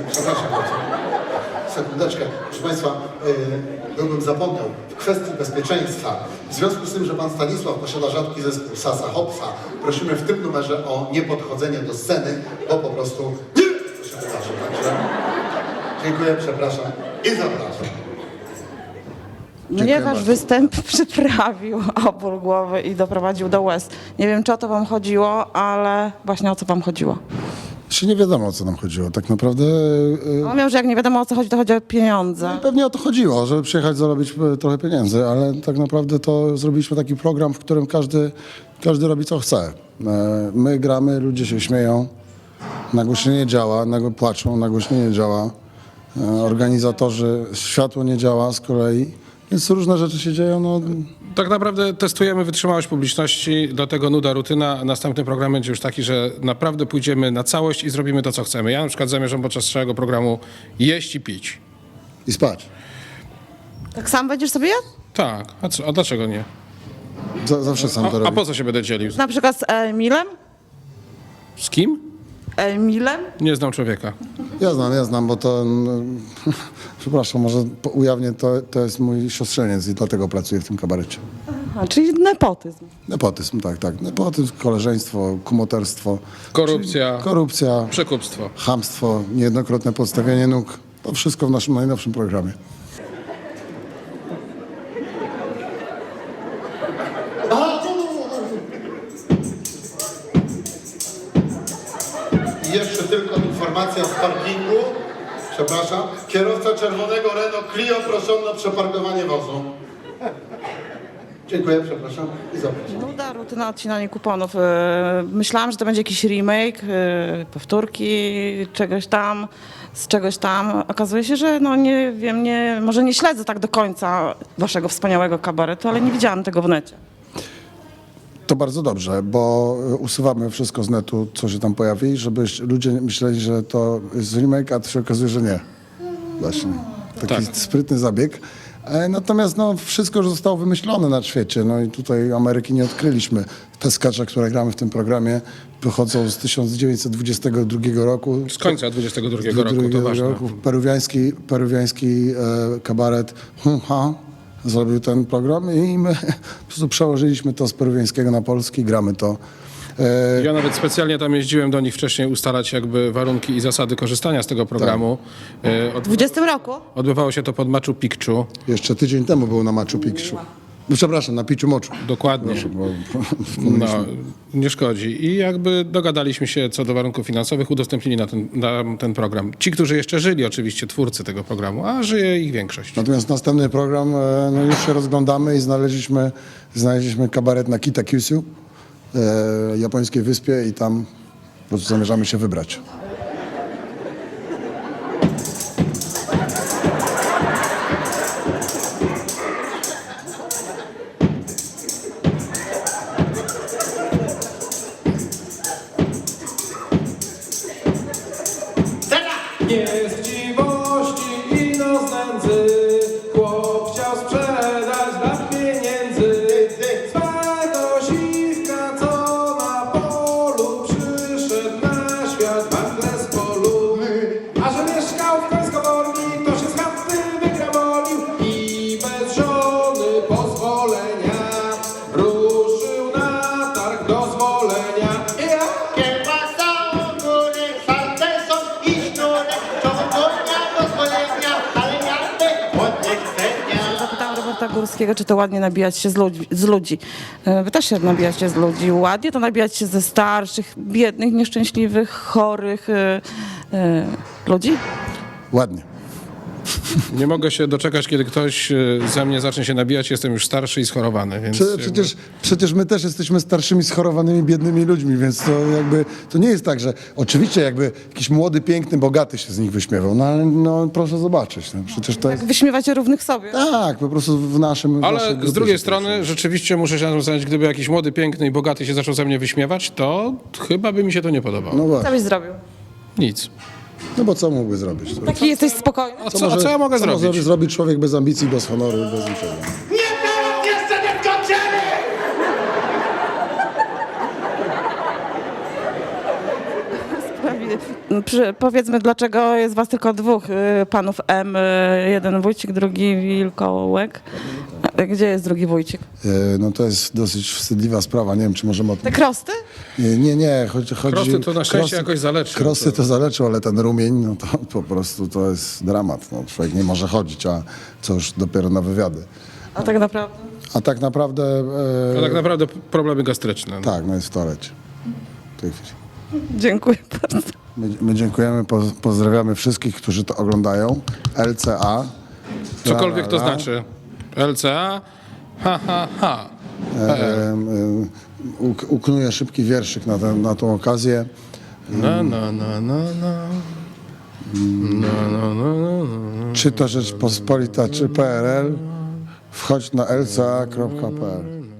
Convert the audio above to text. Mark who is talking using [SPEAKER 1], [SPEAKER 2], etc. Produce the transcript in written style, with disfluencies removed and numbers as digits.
[SPEAKER 1] Przepraszam bardzo. Sekundeczkę. Proszę Państwa, byłbym zapomniał. W kwestii bezpieczeństwa, w związku z tym, że Pan Stanisław posiada rzadki zespół Sasa Hopsa, prosimy w tym numerze o niepodchodzenie do sceny, bo po prostu nie się wydarzy. Także dziękuję, przepraszam i zapraszam.
[SPEAKER 2] Mnie wasz występ przyprawił o ból głowy i doprowadził do łez. Nie wiem, czy o to wam chodziło, ale właśnie o co wam chodziło.
[SPEAKER 3] Jeszcze nie wiadomo, o co nam chodziło. Tak naprawdę
[SPEAKER 2] On miał, że jak nie wiadomo o co chodzi, to chodzi o pieniądze.
[SPEAKER 3] pewnie o to chodziło, żeby przyjechać zarobić trochę pieniędzy, ale tak naprawdę to zrobiliśmy taki program, w którym każdy robi co chce. My gramy, ludzie się śmieją, nagłośnienie działa, płaczą, nagłośnienie działa, organizatorzy, światło nie działa z kolei, więc różne rzeczy się dzieją. No.
[SPEAKER 4] Tak naprawdę testujemy wytrzymałość publiczności, dlatego nuda rutyna. Następny program będzie już taki, że naprawdę pójdziemy na całość i zrobimy to, co chcemy. Ja na przykład zamierzam podczas całego programu jeść i pić.
[SPEAKER 3] I spać.
[SPEAKER 2] Tak sam będziesz sobie jadł?
[SPEAKER 4] Tak, a dlaczego nie?
[SPEAKER 3] Zawsze sam to
[SPEAKER 4] A
[SPEAKER 3] robię.
[SPEAKER 4] po co się będę dzielił?
[SPEAKER 2] Na przykład z Emilem?
[SPEAKER 4] Z kim?
[SPEAKER 2] Emilem?
[SPEAKER 4] Nie znam człowieka.
[SPEAKER 3] Ja znam, bo to, przepraszam, może ujawnię, to jest mój siostrzeniec i dlatego pracuję w tym kabarecie.
[SPEAKER 2] Aha, czyli nepotyzm.
[SPEAKER 3] Nepotyzm, tak. Nepotyzm, koleżeństwo, kumoterstwo.
[SPEAKER 4] Korupcja.
[SPEAKER 3] Czyli korupcja,
[SPEAKER 4] Przekupstwo.
[SPEAKER 3] chamstwo, niejednokrotne podstawianie nóg. To wszystko w naszym najnowszym programie.
[SPEAKER 1] I jeszcze tylko informacja z parkingu. Przepraszam. Kierowca czerwonego Renault Clio proszono o przeparkowanie wozu. Dziękuję, przepraszam i zapraszam.
[SPEAKER 2] Nuda, rutyna, odcinanie kuponów. Myślałam, że to będzie jakiś remake, powtórki czegoś tam, z czegoś tam. Okazuje się, że no nie wiem, może nie śledzę tak do końca waszego wspaniałego kabaretu, ale nie widziałam tego w necie.
[SPEAKER 3] To bardzo dobrze, bo usuwamy wszystko z netu, co się tam pojawi, żeby ludzie myśleli, że to jest remake, a to się okazuje, że nie. Właśnie. Taki sprytny zabieg. Natomiast no, wszystko już zostało wymyślone na świecie. No i tutaj Ameryki nie odkryliśmy. Te skacze, które gramy w tym programie, pochodzą z 1922 roku.
[SPEAKER 4] Z końca 22 roku, to ważne.
[SPEAKER 3] Peruwiański kabaret Hum-Ha zrobił ten program i my po prostu przełożyliśmy to z peruwiańskiego na polski, gramy to.
[SPEAKER 4] Ja nawet specjalnie tam jeździłem do nich wcześniej ustalać jakby warunki i zasady korzystania z tego programu.
[SPEAKER 2] W 20 roku?
[SPEAKER 4] Odbywało się to pod Machu Picchu.
[SPEAKER 3] Jeszcze tydzień temu był na Machu Picchu. Przepraszam, na Picchu Moczu.
[SPEAKER 4] Dokładnie.
[SPEAKER 3] Bo
[SPEAKER 4] No, nie szkodzi. I jakby dogadaliśmy się co do warunków finansowych, udostępnili na ten program. Ci, którzy jeszcze żyli, oczywiście twórcy tego programu, a żyje ich większość.
[SPEAKER 3] Natomiast następny program, no już się rozglądamy i znaleźliśmy kabaret na Kitakyushu, japońskiej wyspie i tam po prostu zamierzamy się wybrać.
[SPEAKER 5] Nie z chciwości i no z nędzy, chłop chciał sprzedać dla pieniędzy swego siwka, co na polu przyszedł na świat nagle z polu. A że mieszkał w Końskowoli, to się z chaty wygramolił i bez żony pozwolenia ruszył na targ dozwolenia.
[SPEAKER 6] Kiełbasa, ogórek, salceson i sznurek, ciągnia pozwolenia, ale miastek ładnych cenia.
[SPEAKER 2] Zapytałam Roberta Górskiego, czy to ładnie nabijać się z ludzi. Wy też się nabijacie z ludzi. Ładnie to nabijać się ze starszych, biednych, nieszczęśliwych, chorych ludzi?
[SPEAKER 3] Ładnie.
[SPEAKER 4] Nie mogę się doczekać, kiedy ktoś ze mnie zacznie się nabijać. Jestem już starszy i schorowany, więc...
[SPEAKER 3] Przecież my też jesteśmy starszymi, schorowanymi, biednymi ludźmi, więc to nie jest tak, że oczywiście jakby jakiś młody, piękny, bogaty się z nich wyśmiewał, no ale no, proszę zobaczyć, no, przecież to jest...
[SPEAKER 2] Wyśmiewacie równych sobie.
[SPEAKER 3] Tak, po prostu w naszym...
[SPEAKER 4] Ale
[SPEAKER 3] naszej
[SPEAKER 4] z
[SPEAKER 3] grupie
[SPEAKER 4] drugiej
[SPEAKER 3] się
[SPEAKER 4] strony rzeczywiście muszę się zastanowić, gdyby jakiś młody, piękny i bogaty się zaczął ze mnie wyśmiewać, to chyba by mi się to nie podobało.
[SPEAKER 3] No
[SPEAKER 2] Co
[SPEAKER 3] właśnie,
[SPEAKER 2] byś zrobił?
[SPEAKER 4] Nic.
[SPEAKER 3] no bo co mógłby zrobić?
[SPEAKER 2] Taki jesteś spokojny?
[SPEAKER 4] A co ja mogę
[SPEAKER 3] Co może
[SPEAKER 4] zrobić?
[SPEAKER 3] zrobić człowiek bez ambicji, bez honoru, bez niczego?
[SPEAKER 6] Jeszcze nie skończyli!
[SPEAKER 2] Sprawiedliwie. Powiedzmy, dlaczego jest was tylko dwóch panów M, jeden Wójcik, drugi Wilkołek. Gdzie jest drugi Wójcik?
[SPEAKER 3] No to jest dosyć wstydliwa sprawa, nie wiem, czy możemy o tym...
[SPEAKER 2] Te krosty?
[SPEAKER 3] Nie, chodzi...
[SPEAKER 4] Krosty to na szczęście jakoś zaleczył.
[SPEAKER 3] Krosty to zaleczył, ale ten rumień, no to po prostu to jest dramat. No, człowiek nie może chodzić, a co już dopiero na wywiady.
[SPEAKER 2] A tak naprawdę?
[SPEAKER 3] A tak naprawdę...
[SPEAKER 4] To tak naprawdę problemy gastryczne. No.
[SPEAKER 3] Tak, no jest w toalecie. W tej chwili.
[SPEAKER 2] Dziękuję bardzo.
[SPEAKER 3] My dziękujemy, pozdrawiamy wszystkich, którzy to oglądają. LCA.
[SPEAKER 4] Cokolwiek to
[SPEAKER 3] La, la, la.
[SPEAKER 4] znaczy. LCA, ha.
[SPEAKER 3] Uknuję szybki wierszyk na tą okazję.
[SPEAKER 4] Na.
[SPEAKER 3] Czy to Rzeczpospolita, czy PRL, wchodź na lca.pl.